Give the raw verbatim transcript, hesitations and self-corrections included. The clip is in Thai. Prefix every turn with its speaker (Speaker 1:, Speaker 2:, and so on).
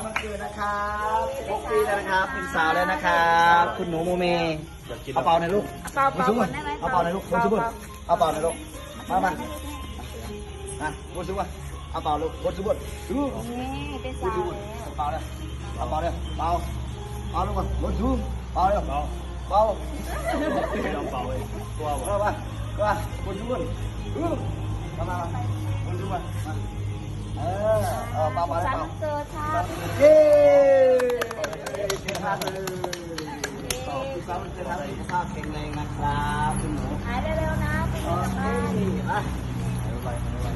Speaker 1: วันเกิดนะครับสิบหกปีแล้วนะครับเป็นสาวแล้วนะครับคุณหนูโมเมเอาเป่าหน่อยลูก
Speaker 2: เป่าเป่าก่อนได้ไหม
Speaker 1: เอาเป่าหน่อยลูกคุณชุบเอาเป่าหน่อยลูกมามาอ่ะคุณชุบเอาเป่าลูกคุณชุบดู
Speaker 2: นี่เป็นสาวแล้ว
Speaker 1: เป่าเลยเอาเป่าเลยเป่าเป่าลูกก่อนคุณชุบเป่าเลยเป่าเป่าไม่ต้องเป่าเลยกลัวกลัวป่ะกลัวคุณชุบดูมามาคุณชุบมาเออเออเป่าเป่าเลย
Speaker 2: สัน
Speaker 1: เป่า
Speaker 2: เกิดครับ
Speaker 1: เย้เก่งมากเลยขอบคุณครับจะทำให้สุขภาพแข็งแรงนะครับคุณหนู
Speaker 2: หายเร็วๆนะคุณ
Speaker 1: โอ
Speaker 2: แม่
Speaker 1: เค
Speaker 2: บ้าน
Speaker 1: อ่ะ